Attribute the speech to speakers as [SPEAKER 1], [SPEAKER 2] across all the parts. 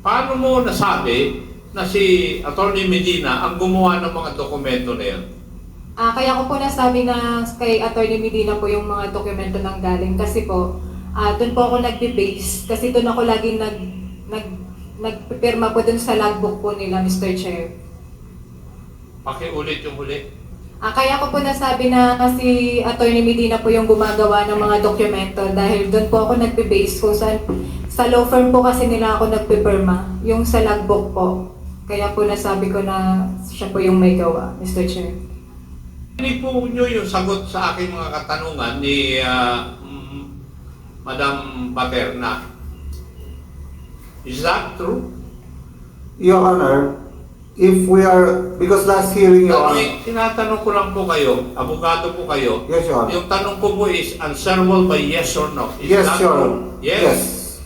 [SPEAKER 1] Paano mo nasabi na si Atty. Medina ang gumawa ng mga dokumento na yan?
[SPEAKER 2] Kaya ko po nasabi na kay Atty. Medina po yung mga dokumento nang galing kasi po, doon po ako nagbe-base kasi doon ako laging nagpipirma po doon sa logbook po nila, Mr. Chair.
[SPEAKER 1] Pakiulit yung huli.
[SPEAKER 2] Kaya ko po nasabi na si Atty. Medina po yung gumagawa ng mga dokumento dahil doon po ako nagbe-base ko sa law firm po kasi nila ako nagpipirma, yung sa logbook po. Kaya po nasabi ko na siya po yung may gawa, Mr. Chair.
[SPEAKER 1] Hindi po nyo yung sagot sa aking mga katanungan ni Madam Baterna. Is that true?
[SPEAKER 3] Your Honor, if we are, because last hearing, Your Honor,
[SPEAKER 1] Tinatanong ko lang po kayo, abogado po kayo.
[SPEAKER 3] yes, Your Honor.
[SPEAKER 1] Yung tanong ko po is answerable by yes or no. Is
[SPEAKER 3] Yes,
[SPEAKER 1] that
[SPEAKER 3] Your
[SPEAKER 1] true?
[SPEAKER 3] Honor.
[SPEAKER 1] Yes.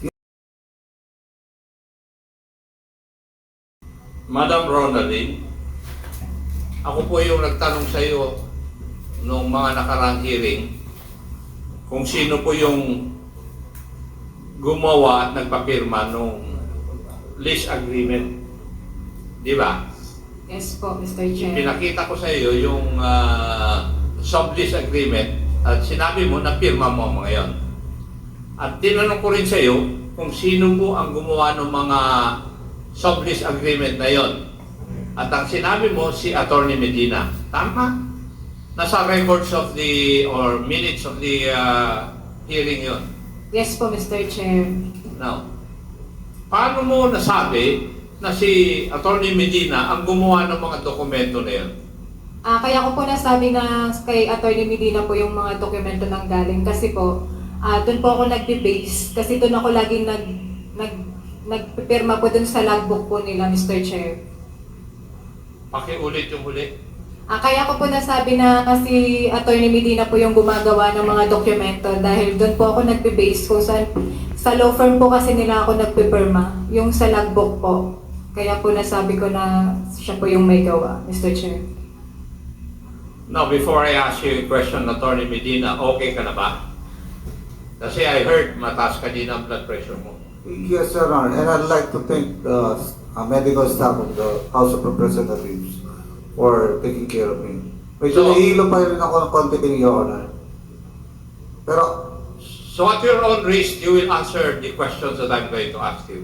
[SPEAKER 1] Madam Ronaldine, ako po yung nagtanong sa iyo noong mga nakarang hearing kung sino po yung gumawa at nagpapirma nung lease agreement. Di ba?
[SPEAKER 2] Yes po, Mr. Chair.
[SPEAKER 1] Pinakita ko sa iyo yung sublease agreement at sinabi mo na pirma mo mga yon. At tinanong ko rin sa iyo kung sino po ang gumawa ng mga sublease agreement na yon. At ang sinabi mo si Atty. Medina. Tama? Nasa records of the or minutes of the hearing yon.
[SPEAKER 2] Yes po, Mr. Chair.
[SPEAKER 1] Now, paano mo nasabi na si Atty. Medina ang gumawa ng mga dokumento na yon?
[SPEAKER 2] Kaya ko po nasabi na kay Atty. Medina po yung mga dokumento nang galing kasi po, doon po ako nagbe-base kasi doon ako laging nagpipirma po doon sa logbook po nila, Mr. Chair.
[SPEAKER 1] Pakiulit yung huli.
[SPEAKER 2] Kaya ko po nasabi na si Atty. Medina po yung gumagawa ng mga dokumento dahil doon po ako nagbe-base ko sa law firm po kasi nila ako nagpipirma, yung sa logbook po. Kaya po nasabi ko na siya po yung may gawa, Mr. Chair.
[SPEAKER 1] Now, before I ask you a question, Atty. Medina, okay ka na ba? Kasi I heard mataas ka din ang blood pressure mo.
[SPEAKER 3] Yes, Your Honor, and I'd like to thank the medical staff of the House of Representatives for taking care of me. Medyo
[SPEAKER 1] So-
[SPEAKER 3] nahihilo pa rin ako ng konti kay Your Honor. Pero,
[SPEAKER 1] So at your own risk, you will answer the questions that I'm going to ask you.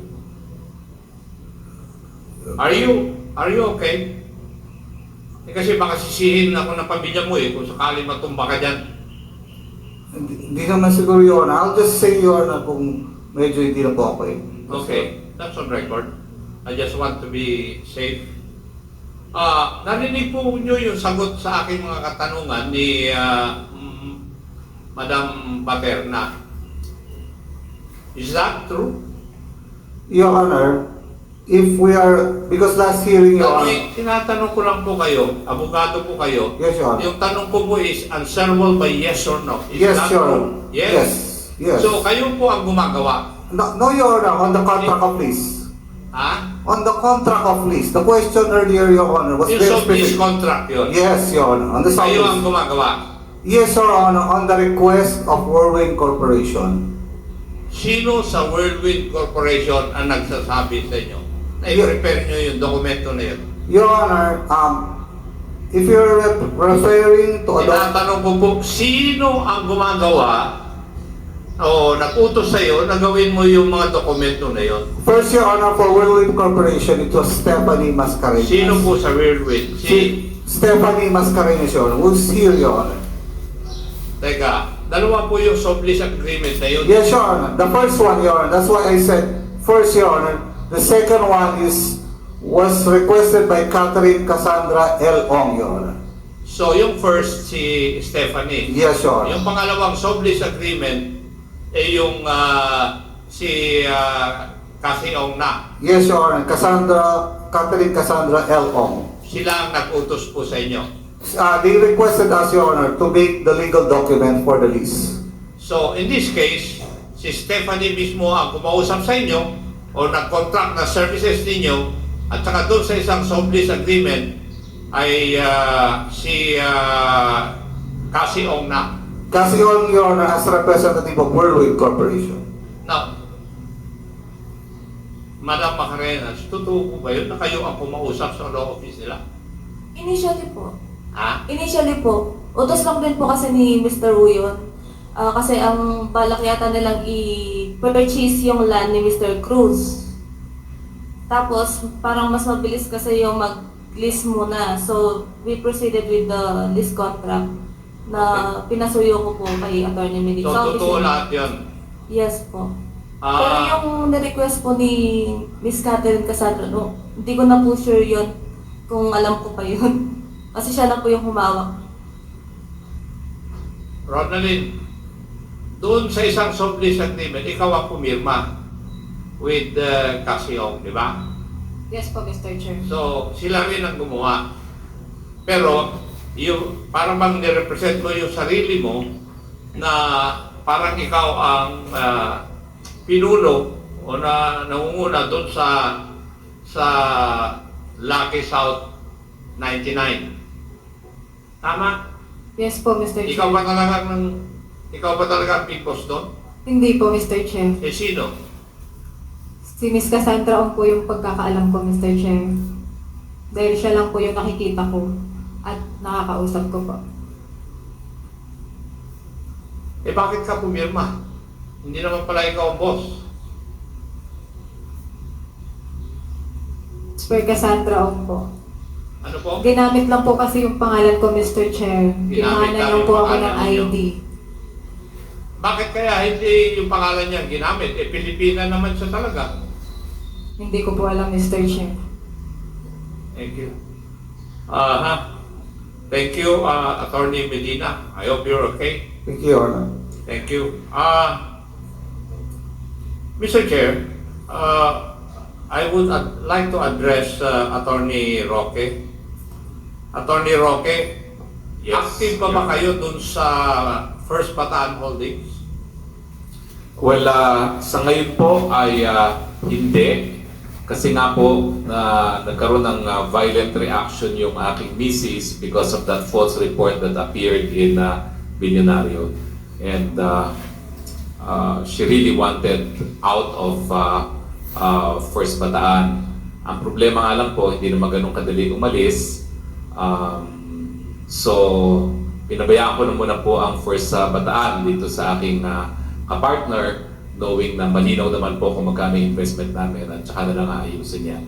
[SPEAKER 1] Are you okay? Kasi baka sisihin ako ng pamilya mo kung sakali matumba ka dyan.
[SPEAKER 3] hindi naman siguro, Your Honor. I'll just say, Your Honor, kung medyo hindi na po okay.
[SPEAKER 1] Okay, that's on record. I just want to be safe. Narinig po nyo yung sagot sa aking mga katanungan ni Madam Baterna. Is that true?
[SPEAKER 3] Your Honor, if we are, because last hearing, Your Honor,
[SPEAKER 1] Tinatanong ko lang po kayo, abogado po kayo.
[SPEAKER 3] yes, Your Honor.
[SPEAKER 1] Yung tanong ko po is answerable by yes or no. Is
[SPEAKER 3] Yes,
[SPEAKER 1] that
[SPEAKER 3] Your
[SPEAKER 1] true?
[SPEAKER 3] Honor.
[SPEAKER 1] Yes.
[SPEAKER 3] Yes. Yes.
[SPEAKER 1] So kayo po ang gumagawa.
[SPEAKER 3] No, Your Honor, on the contract of lease.
[SPEAKER 1] Ha?
[SPEAKER 3] On the contract of lease, the question earlier, Your Honor, was
[SPEAKER 1] Yung
[SPEAKER 3] very
[SPEAKER 1] sublease
[SPEAKER 3] specific.
[SPEAKER 1] contract yun.
[SPEAKER 3] Yes, Your Honor, on the
[SPEAKER 1] Kayo ang
[SPEAKER 3] sublease.
[SPEAKER 1] gumagawa.
[SPEAKER 3] Yes, Your Honor, on the request of Whirlwind Corporation.
[SPEAKER 1] Sino sa Whirlwind Corporation ang nagsasabi sa inyo na i-prepare nyo yung dokumento na yun?
[SPEAKER 3] Your Honor, if you're referring to a
[SPEAKER 1] Tinatanong ko po, sino ang gumagawa o nag-utos sa'yo na gawin mo yung mga dokumento na yun?
[SPEAKER 3] first, Your Honor, for Whirlwind Corporation, it was Stephanie Mascareñas.
[SPEAKER 1] Sino po sa Whirlwind?
[SPEAKER 3] Stephanie Mascareñas, Your Honor, who's here, Your Honor.
[SPEAKER 1] Teka, dalawa po yung sublease agreement na yun.
[SPEAKER 3] Yes, Your Honor. The first one, Your Honor, that's why I said first, Your Honor. The second one was requested by Catherine Cassandra L. Ong, Your Honor.
[SPEAKER 1] So yung first, si Stephanie.
[SPEAKER 3] Yes, Your Honor.
[SPEAKER 1] Yung pangalawang sublease agreement, yung si Cassie Ong na.
[SPEAKER 3] Yes, Your Honor. Catherine Cassandra L. Ong.
[SPEAKER 1] Sila ang nag-utos po sa inyo.
[SPEAKER 3] They requested us, Your Honor, to make the legal document for the lease.
[SPEAKER 1] So in this case, si Stephanie mismo ang kumausap sa inyo o nag-contract na services ninyo at saka doon sa isang sublease agreement ay si Cassie Ong na.
[SPEAKER 3] Cassie Ong, Your Honor, as representative of Whirlwind Corporation.
[SPEAKER 1] Now, Madam Macarenas, totoo po ba yun na kayo ang kumausap sa law office nila?
[SPEAKER 4] Initially po.
[SPEAKER 1] Ha?
[SPEAKER 4] Initially po. Utos lang din po kasi ni Mr. Wu yun. Kasi ang balak yata nilang i-purchase yung land ni Mr. Cruz. Tapos, parang mas mabilis kasi yung mag-lease muna. So, we proceeded with the lease contract na pinasuyo ko po kay Atty. Medina.
[SPEAKER 1] So, totoo lahat yun.
[SPEAKER 4] Yes po. Pero
[SPEAKER 1] Ah,
[SPEAKER 4] yung na-request po ni Miss Catherine Cassandra, no, hindi ko na po sure yun kung alam ko pa yun. Kasi siya na po yung humawak.
[SPEAKER 1] Ronaldin, doon sa isang sublease agreement, ikaw ang pumirma with Casiong, di ba?
[SPEAKER 2] Yes po, Mr. Chair.
[SPEAKER 1] So, sila rin ang gumawa. Pero, yung, parang bang nirepresent mo yung sarili mo na parang ikaw ang pinuno o na nangunguna doon sa Lucky South 99. Tama?
[SPEAKER 2] Yes po, Mr. Chair.
[SPEAKER 1] Ikaw ba talaga ang big boss doon?
[SPEAKER 2] Hindi po, Mr. Chair.
[SPEAKER 1] Eh sino?
[SPEAKER 2] Si Miss Cassandra Ong po yung pagkakaalam ko, Mr. Chair. Dahil siya lang po yung nakikita ko at nakakausap ko po.
[SPEAKER 1] Eh bakit ka pumirma? Hindi naman pala ikaw ang boss.
[SPEAKER 2] Sir Cassandra Ong po.
[SPEAKER 1] Ano po?
[SPEAKER 2] Ginamit lang po kasi yung pangalan ko, Mr. Chair.
[SPEAKER 1] Ginamit
[SPEAKER 2] Kinuhanan
[SPEAKER 1] lang
[SPEAKER 2] lang
[SPEAKER 1] yung
[SPEAKER 2] po ako
[SPEAKER 1] pangalan
[SPEAKER 2] ng
[SPEAKER 1] ninyo.
[SPEAKER 2] ID.
[SPEAKER 1] Bakit kaya hindi yung pangalan niya ginamit? Eh Pilipina naman siya talaga.
[SPEAKER 2] Hindi ko po alam, Mr. Chair.
[SPEAKER 1] Thank you. Thank you, Attorney Medina. I hope you're okay.
[SPEAKER 3] Thank you, Your Honor.
[SPEAKER 1] Thank you. Mr. Chair, I would like to address Attorney Roque. Attorney Roque,
[SPEAKER 5] Yes,
[SPEAKER 1] active pa ba
[SPEAKER 5] Your
[SPEAKER 1] kayo dun sa First Bataan Holdings?
[SPEAKER 5] Well, sa ngayon po ay hindi. Kasi nga po nagkaroon ng violent reaction yung aking misis because of that false report that appeared in Billionario. And she really wanted out of First Bataan. Ang problema nga lang po, hindi naman ganun kadali umalis. So, pinabayaan ko na muna po ang First Bataan dito sa aking kapartner, knowing na malinaw naman po kung magkano yung investment namin at saka na lang aayusin niya.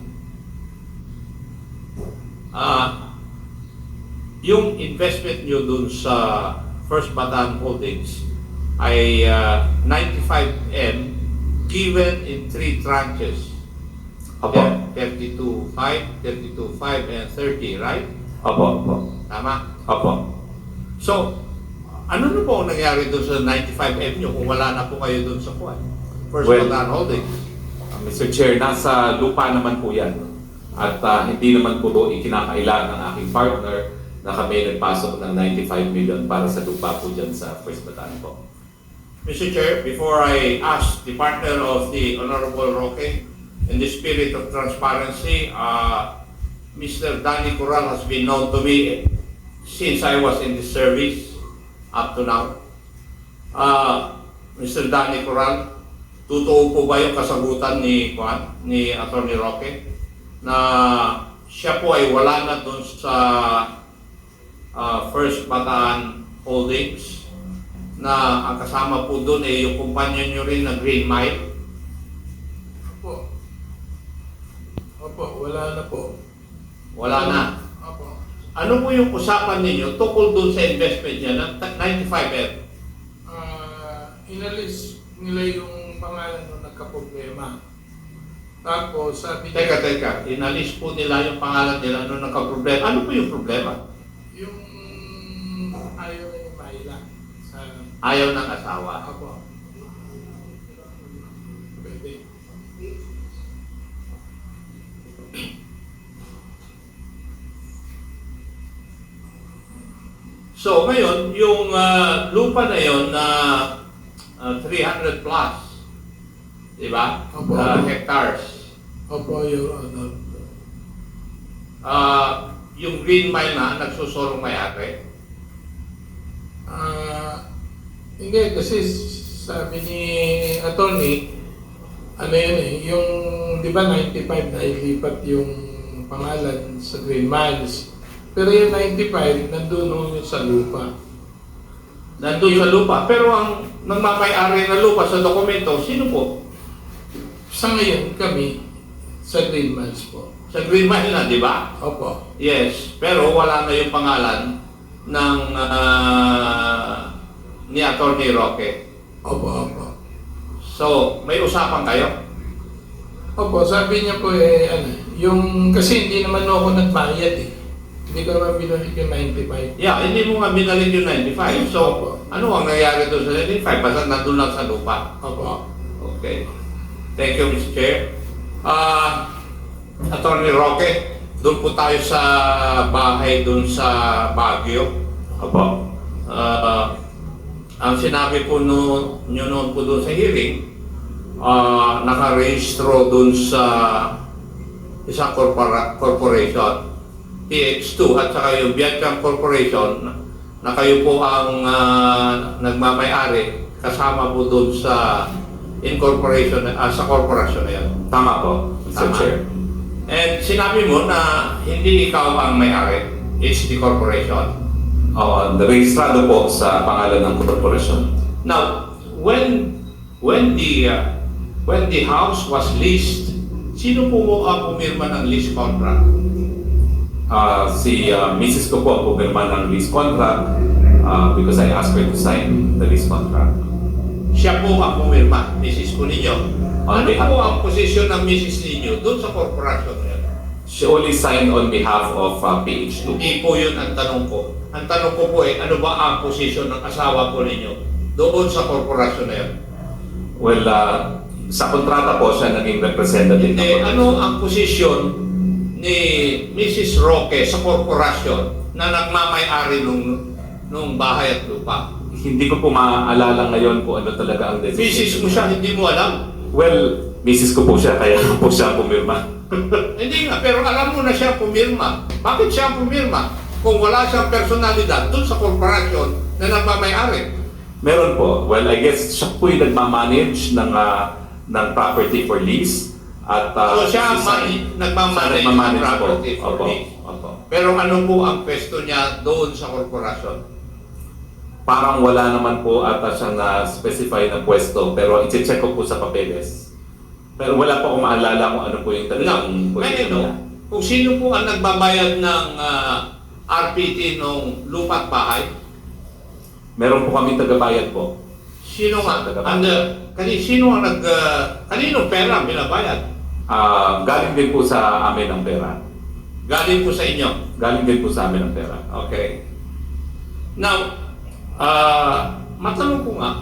[SPEAKER 1] Yung investment nyo dun sa First Bataan Holdings ay 95M given in 3 tranches.
[SPEAKER 5] Opo.
[SPEAKER 1] 32.5, 32.5, and 30, right?
[SPEAKER 5] Opo, opo.
[SPEAKER 1] Tama?
[SPEAKER 5] Opo.
[SPEAKER 1] So, ano na po ang nangyari doon sa 95M nyo kung wala na po kayo doon sa kuwan? First
[SPEAKER 5] Well,
[SPEAKER 1] Bataan Holdings.
[SPEAKER 5] Mr. Chair, nasa lupa naman po yan. At hindi naman po doon ikinakailangan ng aking partner na kami nagpasok ng 95 million para sa lupa po dyan sa First Bataan po.
[SPEAKER 1] Mr. Chair, before I ask the partner of the Honorable Roque, in the spirit of transparency, Mr. Danny Corral has been known to me since I was in the service up to now. Mr. Danny Corral, totoo po ba yung kasagutan ni Attorney Roque na siya po ay wala na doon sa First Bataan Holdings, na ang kasama po doon ay yung kumpanya nyo rin na Green Mile?
[SPEAKER 6] Opo. Opo, wala na po.
[SPEAKER 1] Wala na.
[SPEAKER 6] Opo.
[SPEAKER 1] Ano po yung usapan ninyo tungkol doon sa investment niya ng 95M?
[SPEAKER 6] Inalis nila yung pangalan nung nagka-problema. Tapos sabi niya,
[SPEAKER 1] Teka, inalis po nila yung pangalan nila nung nagka-problema. Ano po yung problema?
[SPEAKER 6] yung ayaw na ni Mayla sa
[SPEAKER 1] Ayaw ng asawa.
[SPEAKER 6] Opo. Pwede.
[SPEAKER 1] So ngayon, yung lupa na yon na 300 plus, di ba?
[SPEAKER 6] Opo.
[SPEAKER 1] Hectares.
[SPEAKER 6] Opo, yung ano.
[SPEAKER 1] Yung Green Mile na nagsusulong may-ari.
[SPEAKER 6] Hindi, kasi sabi ni attorney, ano yun eh, yung di ba 95 na ilipat yung pangalan sa Green Miles. Pero yung 95, nandun ho yung sa lupa.
[SPEAKER 1] Nandun sa lupa. Pero ang nagmamay-ari ng lupa sa dokumento, sino po?
[SPEAKER 6] Sa ngayon, kami sa Green Miles po.
[SPEAKER 1] Sa Green Mile na, di ba?
[SPEAKER 6] Opo.
[SPEAKER 1] Yes. Pero wala na yung pangalan ng ni Atty. Roque.
[SPEAKER 6] Opo.
[SPEAKER 1] So, may usapan kayo?
[SPEAKER 6] Opo, sabi niya po yung kasi hindi naman ako nagbayad eh. Hindi ko naman binalik yung 95.
[SPEAKER 1] Yeah, hindi mo nga binalik yung 95. So,
[SPEAKER 6] Opo.
[SPEAKER 1] ano ang nangyari doon sa 95? Basta nandun lang sa lupa.
[SPEAKER 6] Opo.
[SPEAKER 1] Okay. Thank you, Mr. Chair. Atty. Roque, doon po tayo sa bahay doon sa Baguio.
[SPEAKER 5] Opo.
[SPEAKER 1] Ang sinabi po nyo noon po doon sa hearing, nakarehistro doon sa isang corporation, PX2 at saka yung Vietcam Corporation, na kayo po ang nagmamay-ari kasama po doon sa incorporation, sa corporation na yan.
[SPEAKER 5] Tama po, Mr.
[SPEAKER 1] Tama.
[SPEAKER 5] Chair.
[SPEAKER 1] And sinabi mo na hindi ikaw ang may-ari, it's the corporation.
[SPEAKER 5] Rehistrado po sa pangalan ng korporasyon.
[SPEAKER 1] Now, when the house was leased, sino po ang pumirma ng lease contract?
[SPEAKER 5] Si Mrs. ko po ang pumirma ng lease contract because I asked her to sign the lease contract.
[SPEAKER 1] Siya po ang pumirma, Mrs. ko ninyo. Ano
[SPEAKER 5] Okay.
[SPEAKER 1] po ang posisyon ng Mrs. ninyo doon sa corporation na yan?
[SPEAKER 5] She only signed on behalf of PH2.
[SPEAKER 1] Hindi po yun ang tanong ko. Ang tanong ko po ano ba ang posisyon ng asawa po ninyo doon sa corporation na yan?
[SPEAKER 5] Well, sa kontrata po siya naging representative
[SPEAKER 1] Hindi,
[SPEAKER 5] ng
[SPEAKER 1] ano ang posisyon ni Mrs. Roque sa korporasyon na nagmamay-ari nung bahay at lupa?
[SPEAKER 5] Hindi ko po maaalala ngayon kung ano talaga ang
[SPEAKER 1] Mrs.
[SPEAKER 5] decision.
[SPEAKER 1] mo siya, hindi mo alam.
[SPEAKER 5] Well, Mrs. ko po siya, kaya po siya pumirma.
[SPEAKER 1] Hindi nga, pero alam mo na siya pumirma. Bakit siya pumirma? Kung wala siyang personalidad doon sa korporasyon na nagmamay-ari.
[SPEAKER 5] Meron po. Well, I guess siya po yung nagmamanage ng property for lease. At,
[SPEAKER 1] So siya ang nagmamanage ng property for
[SPEAKER 5] Opo.
[SPEAKER 1] lease.
[SPEAKER 5] Opo.
[SPEAKER 1] Pero ano po ang pwesto niya doon sa korporasyon?
[SPEAKER 5] Parang wala naman po ata siyang na-specify na pwesto, pero i-check ko po sa papeles. Pero wala po akong maalala kung ano po yung talagang
[SPEAKER 1] Ngayon, no, kung sino po ang nagbabayad ng RPT nung lupa at bahay,
[SPEAKER 5] Meron po kami tagabayad po.
[SPEAKER 1] sino nga?
[SPEAKER 5] Tagabayad.
[SPEAKER 1] Sino ang kanino pera binabayad?
[SPEAKER 5] Galing din po sa amin ang pera.
[SPEAKER 1] Galing po sa inyo.
[SPEAKER 5] Galing din po sa amin ang pera.
[SPEAKER 1] Okay. Now, matanong ko nga,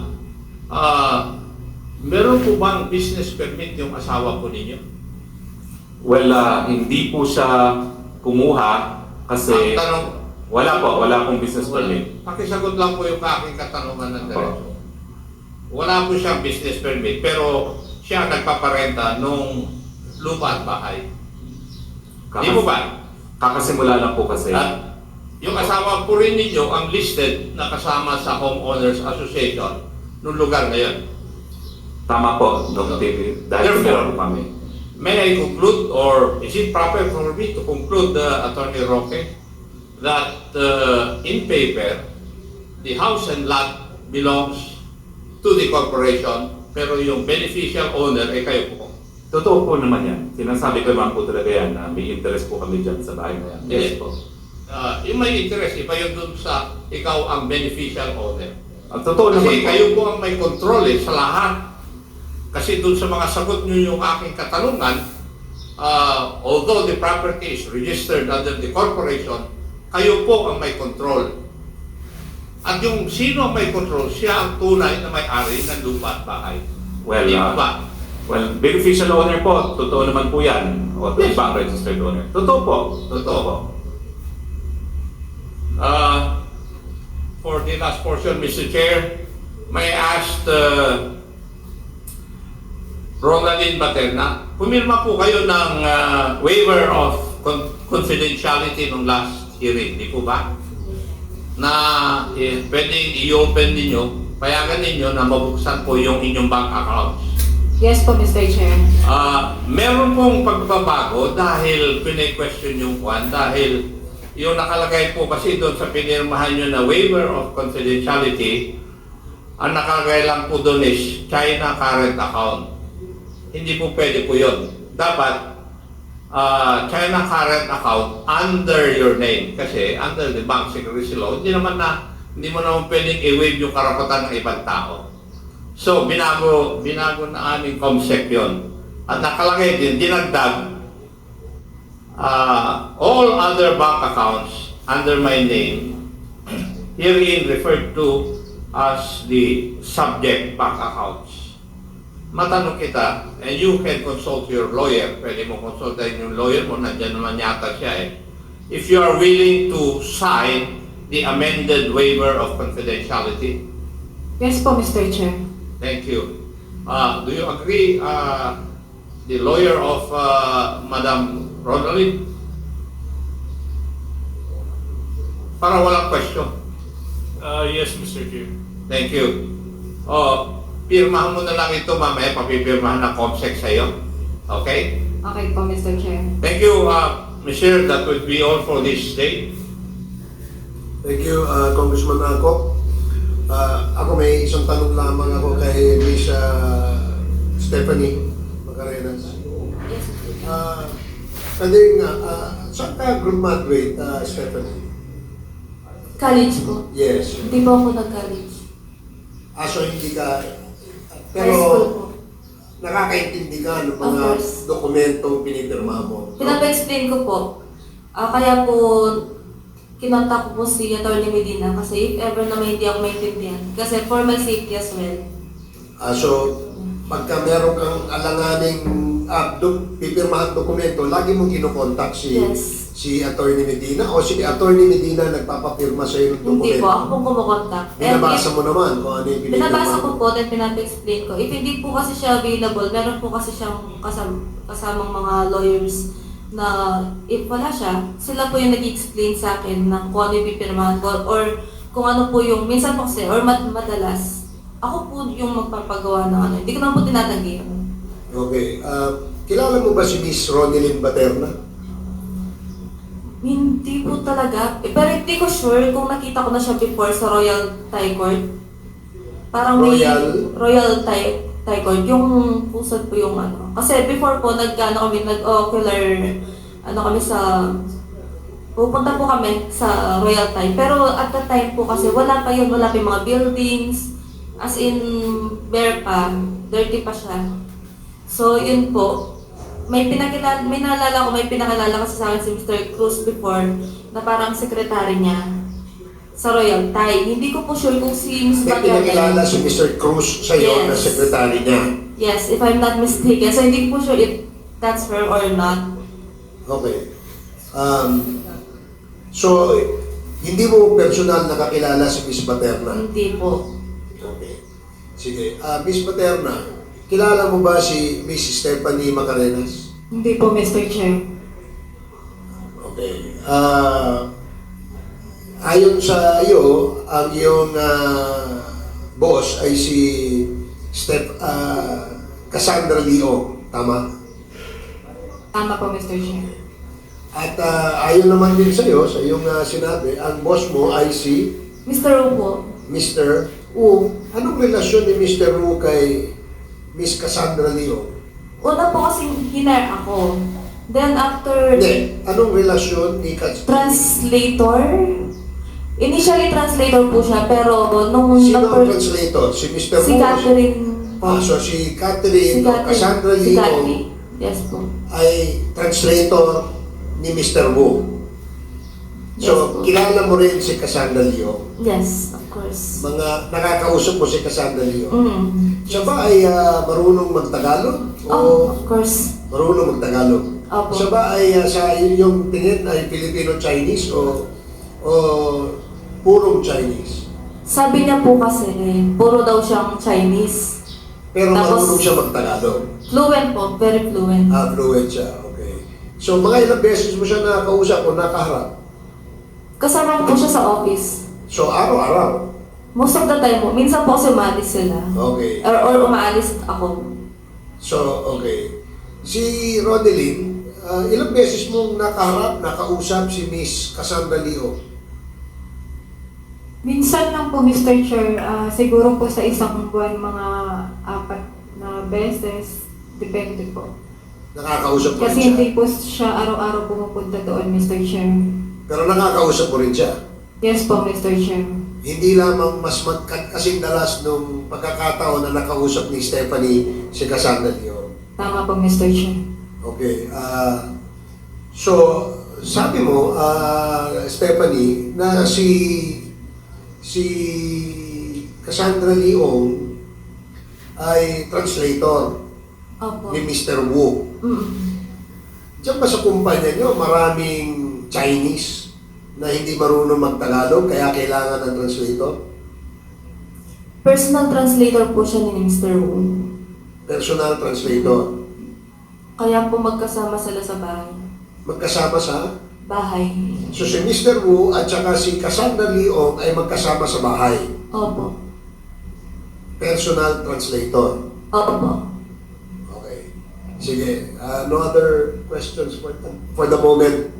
[SPEAKER 1] meron po bang business permit yung asawa po ninyo?
[SPEAKER 5] Well, hindi po siya kumuha kasi
[SPEAKER 1] Ang tanong,
[SPEAKER 5] wala akong business permit.
[SPEAKER 1] pakisagot lang po yung aking katanungan ng diretso. Wala po siyang business permit, pero siya ang nagpaparenta nung lupa at bahay. Di mo ba?
[SPEAKER 5] Kakasimula lang po kasi.
[SPEAKER 1] At yung asawa po rin ninyo ang listed na kasama sa Homeowners Association nung lugar na yun.
[SPEAKER 5] Tama po, Dr. TV. Dahil
[SPEAKER 1] Therefore,
[SPEAKER 5] meron po kami.
[SPEAKER 1] May I conclude, or is it proper for me to conclude, Attorney Roque, that in paper, the house and lot belongs to the corporation, pero yung beneficial owner ay kayo po.
[SPEAKER 5] Totoo po naman yan. Sinasabi ko naman po talaga yan na may interest po kami dyan sa bahay na yan. Yes po.
[SPEAKER 1] Yung may interest, iba yun dun sa ikaw ang beneficial owner.
[SPEAKER 5] Ang totoo naman
[SPEAKER 1] Kasi
[SPEAKER 5] po.
[SPEAKER 1] kayo po ang may control sa lahat. Kasi dun sa mga sagot nyo yung aking katanungan, although the property is registered under the corporation, kayo po ang may control. At yung sino ang may control, siya ang tunay na may-ari ng lupa at bahay.
[SPEAKER 5] Well,
[SPEAKER 1] Hindi po ba?
[SPEAKER 5] well, beneficial owner po. Totoo naman po yan. O
[SPEAKER 1] Yes.
[SPEAKER 5] ibang registered owner. Totoo po.
[SPEAKER 1] Totoo.
[SPEAKER 5] po.
[SPEAKER 1] For the last portion, Mr. Chair, may I ask Ronaldin Baterna, pumirma po kayo ng waiver of confidentiality nung last hearing, di po ba? Na pwedeng i-open ninyo, payagan ninyo na mabuksan po yung inyong bank accounts.
[SPEAKER 2] Yes po, Mr. Chair.
[SPEAKER 1] Meron pong pagbabago dahil pine-question yung kwan dahil yung nakalagay po kasi doon sa pinirmahan nyo na waiver of confidentiality, ang nakalagay lang po doon is China current account. Hindi po pwede po yun. Dapat China current account under your name kasi under the bank secrecy law, hindi mo naman pwedeng i-waive yung karapatan ng ibang tao. So, binago na aming COMSEC yun. At nakalagay din, dinagdag, all other bank accounts under my name, herein referred to as the subject bank accounts. Matanong kita, and you can consult your lawyer, pwede mo konsultahin yung lawyer mo, nandiyan naman yata siya eh. If you are willing to sign the amended waiver of confidentiality.
[SPEAKER 2] Yes po, Mr. Chair.
[SPEAKER 1] Thank you. Do you agree, the lawyer of Madam Ronaldin? Para walang question.
[SPEAKER 7] Yes, Mr. Chair.
[SPEAKER 1] Thank you. Pirmahan mo na lang ito mamaya, papipirmahan ng COMSEC sa'yo. Okay?
[SPEAKER 2] Okay po, Mr. Chair.
[SPEAKER 1] Thank you, Mr. That would be all for this day.
[SPEAKER 8] Thank you, Congressman Ako. Ako may isang tanong lamang ako kay Miss Stephanie Macarenas.
[SPEAKER 4] Yes.
[SPEAKER 8] Pwede nga, saan ka graduate, Stephanie?
[SPEAKER 4] College po.
[SPEAKER 8] Yes.
[SPEAKER 4] Hindi po ako nag-college.
[SPEAKER 8] So hindi ka,
[SPEAKER 4] High school po.
[SPEAKER 8] pero nakakaintindi ka ng
[SPEAKER 4] Of
[SPEAKER 8] mga
[SPEAKER 4] course.
[SPEAKER 8] dokumentong pinipirma mo.
[SPEAKER 4] Pinapa-explain ko po. Kaya po, kinontak ko po si Atty. Medina kasi if ever na may hindi ako maintindihan. Kasi for my safety as well.
[SPEAKER 8] So, pagka meron kang alanganing pipirmahan dokumento, lagi mong kinokontak
[SPEAKER 4] Yes.
[SPEAKER 8] si Atty. Medina o si Atty. Medina nagpapapirma sa iyo ng dokumento?
[SPEAKER 4] Hindi po, ako po kumukontak.
[SPEAKER 8] Binabasa mo naman kung ano yung pinipirma
[SPEAKER 4] Binabasa ko
[SPEAKER 8] mo.
[SPEAKER 4] po, then pinapa-explain ko. If hindi po kasi siya available, meron po kasi siyang kasamang mga lawyers na if wala siya, sila po yung nag-explain sa akin ng kung ano yung pipirmahan ko or kung ano po yung, minsan po kasi, or madalas, ako po yung magpapagawa ng ano. Hindi ko naman po tinatanggi yun.
[SPEAKER 8] Okay. Kilala mo ba si Miss Ronilyn Baterna?
[SPEAKER 4] Hindi po talaga. Pero hindi ko sure kung nakita ko na siya before sa Royal Thai Court. Parang may Royal Thai Court, yung pusad po yung ano. Kasi before po, nag-ocular, kami sa, pupunta po kami sa Royal Thai. Pero at that time po kasi wala pa yun, wala pa yung mga buildings, as in, bare pa, dirty pa siya. So yun po, may naalala ko, may pinakilala kasi sa akin si Mr. Cruz before, na parang sekretary niya sa Royal Thai. Hindi ko po sure kung si Ms.
[SPEAKER 8] May pinakilala si Mr. Cruz sa iyo na
[SPEAKER 4] Yes.
[SPEAKER 8] sekretary niya.
[SPEAKER 4] Yes, if I'm not mistaken. So hindi ko po sure if that's her or not.
[SPEAKER 8] Okay. So, hindi mo personal nakakilala si Miss Baterna?
[SPEAKER 4] Hindi po.
[SPEAKER 8] Okay. Sige. Miss Baterna, kilala mo ba si Miss Stephanie Macarenas?
[SPEAKER 2] Hindi po, Mr. Chair.
[SPEAKER 8] Okay. Ayon sa iyo, ang iyong boss ay si Cassandra Leong, tama?
[SPEAKER 2] Tama po, Mr. Chair.
[SPEAKER 8] At ayon naman din sa iyo, sa iyong sinabi, ang boss mo ay si
[SPEAKER 4] Mr. Wu po.
[SPEAKER 8] Mr.
[SPEAKER 4] Wu.
[SPEAKER 8] Anong relasyon ni Mr. Wu kay Miss Cassandra Leong?
[SPEAKER 4] Una po kasing hiner ako. Then after,
[SPEAKER 8] Hindi. Anong relasyon ni
[SPEAKER 4] translator? Initially translator po siya, pero nung
[SPEAKER 8] Sino ang translator? Si Mr.
[SPEAKER 4] si
[SPEAKER 8] Wu?
[SPEAKER 4] Catherine po.
[SPEAKER 8] So si Catherine o Cassandra
[SPEAKER 4] Si
[SPEAKER 8] Leong
[SPEAKER 4] Catherine. Yes po.
[SPEAKER 8] ay translator ni Mr. Wu.
[SPEAKER 4] Yes
[SPEAKER 8] So,
[SPEAKER 4] po.
[SPEAKER 8] kilala mo rin si Cassandra Leong.
[SPEAKER 4] Yes, of course.
[SPEAKER 8] Mga nakakausap mo si Cassandra Leong. Siya
[SPEAKER 4] Yes.
[SPEAKER 8] ba ay marunong magtagalog? O
[SPEAKER 4] Of course.
[SPEAKER 8] marunong magtagalog?
[SPEAKER 4] Opo.
[SPEAKER 8] Siya ba ay sa inyong tingin ay Filipino-Chinese o purong Chinese?
[SPEAKER 4] Sabi niya po kasi, puro daw siyang Chinese.
[SPEAKER 8] Pero
[SPEAKER 4] Tapos-
[SPEAKER 8] marunong siya magtagalog.
[SPEAKER 4] Fluent po, very fluent.
[SPEAKER 8] Fluent siya, okay. So, mga ilang beses mo siya nakakausap o nakaharap?
[SPEAKER 4] Kasama po siya sa office.
[SPEAKER 8] So, araw-araw.
[SPEAKER 4] Most of the time po, minsan po kasi umalis sila.
[SPEAKER 8] Okay.
[SPEAKER 4] Or umaalis ako.
[SPEAKER 8] So, okay. Si Rodeline, ilang beses mong nakausap si Miss Cassandra Leo?
[SPEAKER 2] Minsan lang po, Mr. Chair, siguro po sa isang buwan, mga 4 na beses. Depende po.
[SPEAKER 8] Nakakausap mo rin
[SPEAKER 2] Kasi
[SPEAKER 8] siya?
[SPEAKER 2] hindi po siya araw-araw pumupunta doon, Mr. Chair.
[SPEAKER 8] Pero nakakausap mo rin siya?
[SPEAKER 2] Yes po, Mr. Chair.
[SPEAKER 8] Hindi lamang mas kasing dalas nung pagkakataon na nakausap ni Stephanie si Cassandra Leo.
[SPEAKER 2] Tama po, Mr. Chair.
[SPEAKER 8] Okay. So, sabi mo, Stephanie, na si Cassandra Leong ay translator
[SPEAKER 4] Opo.
[SPEAKER 8] ni Mr. Wu. Diyan ba sa kumpanya nyo maraming Chinese na hindi marunong mag-Tagalog kaya kailangan ng translator?
[SPEAKER 4] Personal translator po siya ni Mr. Wu.
[SPEAKER 8] Personal translator.
[SPEAKER 4] Kaya po magkasama sila sa bahay.
[SPEAKER 8] Magkasama sa...
[SPEAKER 4] Bahay.
[SPEAKER 8] So si Mr. Wu at saka si Cassandra Leong ay magkasama sa bahay.
[SPEAKER 4] Opo.
[SPEAKER 8] Personal translator.
[SPEAKER 4] Opo.
[SPEAKER 8] Okay. Sige. No other questions for the moment?